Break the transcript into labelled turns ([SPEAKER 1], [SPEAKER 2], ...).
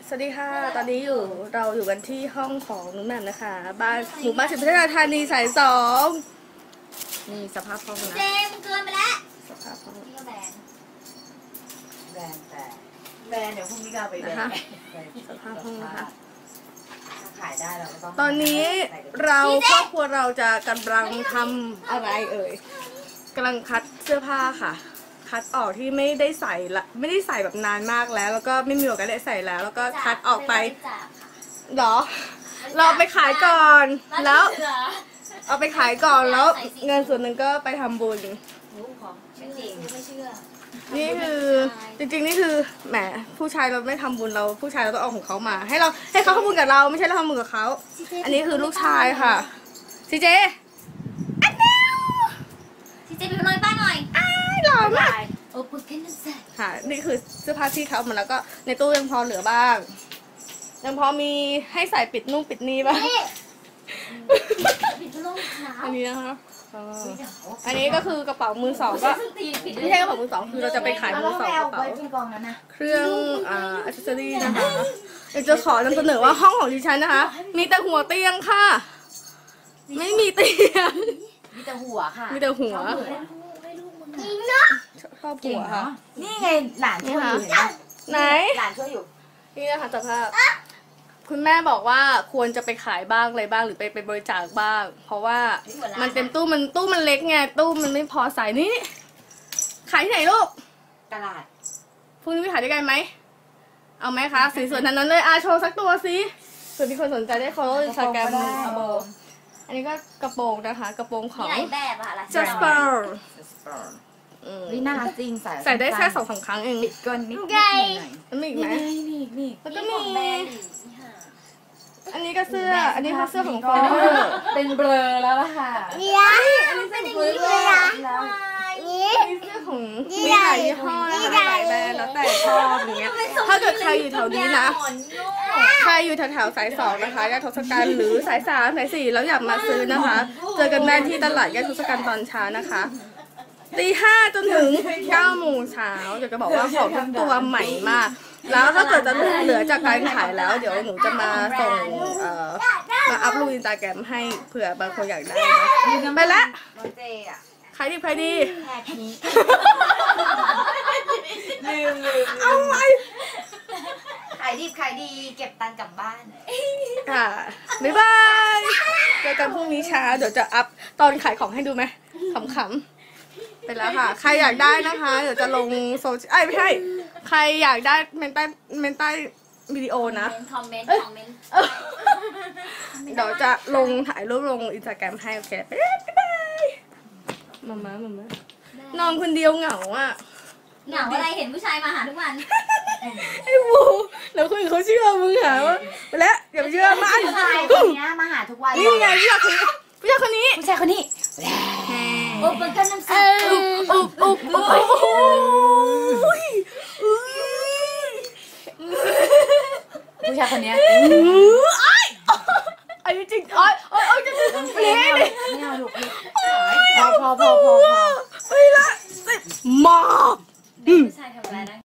[SPEAKER 1] สวัสดีค่ะตอนนี้เราอยู่กันที่ห้องของนุ้งแหม่มนะคะบ้านหมู่บ้านสิบพัฒนาธานีสาย2นี่สภาพห้องนะ
[SPEAKER 2] เจมเกินไปแล้ว
[SPEAKER 1] สภาพห้อง
[SPEAKER 2] นี่ก็แบน
[SPEAKER 3] แต่แบนเดี๋ยวพรุ่งนี้ก็ไปแบน
[SPEAKER 1] สภาพห้องนะคะ
[SPEAKER 3] ขายได้เราก็ต้อง
[SPEAKER 1] ตอนนี้เราครอบครัวเราจะกำลังทำอะไรเอ่ยกำลังคัดเสื้อผ้าค่ะคัดออกที่ไม่ได้ใส่ละไม่ได้ใส่แบบนานมากแล้วก็ไม่มีโอกาสได้ใส่แล้วก็คัดออกไปหรอเราไปขายก่อนแล้วเอาไปขายก่อนแล้วเงินส่วนหนึ่งก็ไปทำบุญ
[SPEAKER 2] ไม่เชื่อ
[SPEAKER 1] นี่คือจริงๆนี่คือแหมผู้ชายเราไม่ทำบุญเราผู้ชายเราต้องเอาของเขามาให้เขาทำบุญกับเราไม่ใช่เราทำบุญกับเขาอันนี้คือลูกชายค่ะซีเจ
[SPEAKER 2] ไปดูรอยป้าหน่อย
[SPEAKER 1] หล่อมาก
[SPEAKER 2] โอ้ปุ๊บเป็นสัตว์
[SPEAKER 1] ค่ะนี่คือเสื้อผ้าที่เขาหมดแล้วก็ในตู้ยังพอเหลือบ้างยังพอมีให้ใส่ปิดนุ่งปิดนี่บ้างอันนี้นะคะอันนี้ก็คือกระเป๋ามือสองก็ไม่ใช่กระเป๋ามือสองคือเราจะไปขายมือสองกระเป๋าเครื่องอัซเซอรี่นะคะอยากจะขอนำเสนอว่าห้องของดิฉันนะคะมีแต่หัวเตียงค่ะไม่มีเตียง
[SPEAKER 3] มีแต่หัวค่ะ
[SPEAKER 1] มีแต่หัวชอบหัวค่ะ
[SPEAKER 3] นี่ไงหลานช่วยอยู่
[SPEAKER 1] ไหน
[SPEAKER 3] หลานช่วยอยู่
[SPEAKER 1] นี่นะคะสภาพคุณแม่บอกว่าควรจะไปขายบ้างอะไรบ้างหรือไปบริจาคบ้างเพราะว่ามันเต็มตู้มันเล็กไงตู้มันไม่พอใส่นี่ขายที่ไหนลูก
[SPEAKER 3] ตลาด
[SPEAKER 1] พรุ่งนี้ไปขายด้วยกันไหมเอาไหมคะสีสวยนั้นเลยโชว์สักตัวสิเผื่อมีคนสนใจได้ฟอลโล่อินสตาแกรมอันนี้ก็กระโปรงนะคะกระโปรงของ
[SPEAKER 2] Jasper
[SPEAKER 3] นี่น่ารักจริง
[SPEAKER 1] ใส่ได้แค่2-3 ครั้งเอง
[SPEAKER 3] ปิดก้นนิดห
[SPEAKER 1] น่อยมันมีอีกไหม
[SPEAKER 3] นี่
[SPEAKER 1] แล้วก็มีอันนี้ก็เสื้ออันนี้คือเสื้อของฟอ
[SPEAKER 3] เป็นเบลอแล้วล่ะค่ะ
[SPEAKER 1] อันนี้เป็นเบลอแล้วนี่เสื้อของมีหลายยี่ห้อนะคะหลายแบรนด์แล้วแต่ชอบอย่างเงี้ยถ้าเกิดใครอยู่แถวนี้นะใครอยู่แถวสาย2นะคะย่านทศกัณฐ์หรือสาย3สาย4แล้วอยากมาซื้อนะคะเจอกันได้ที่ตลาดย่านทศกัณฐ์ตอนเช้านะคะตี 5จนถึง 9 โมงเช้าเดี๋ยวจะบอกว่าของทุกตัวใหม่มากแล้วถ้าเกิดจะเหลือจากการขายแล้วเดี๋ยวหนูจะมาส่งมาอัพลงอินสตาแกรมให้เผื่อบางคนอยากได้นะไปละขายดีเอาไว้
[SPEAKER 3] ขายดีเก็บตังค์กลับบ้าน
[SPEAKER 1] ค่ะบ๊ายบายเจอกันพรุ่งนี้เช้าเดี๋ยวจะอัพตอนขายของให้ดูไหมขำๆไปแล้วค่ะใครอยากได้นะคะเดี๋ยวจะลงโซเชียลไม่ใช่ใครอยากได้เมนใต้วิดีโอนะ
[SPEAKER 2] คอมเมนต์
[SPEAKER 1] เดี๋ยวจะลงถ่ายรูปลงอินสตาแกรมให้โอเคบ๊ายบายมานอนคนเดียวเหงาอ่ะ
[SPEAKER 2] เหงาอะไรเห็นผู้ชายมาหาทุกวัน
[SPEAKER 1] ไอ้บูแล้วคนอื่นเขาเชื่อมึงหาว่าไปแล้วอย่าไปเชื่อมัน
[SPEAKER 3] ผู้ชายคนนี้มาหาทุกวัน
[SPEAKER 1] นี่ไงผู้ชายคนนี้
[SPEAKER 2] โอ้เป็นกันน้ำใส
[SPEAKER 3] ผู้ชายคนนี้
[SPEAKER 1] อันนี้จริงจะ
[SPEAKER 3] ไม่เอาลูกพอ
[SPEAKER 1] ไปละมา
[SPEAKER 2] ผู้ชายทำอะไรนะ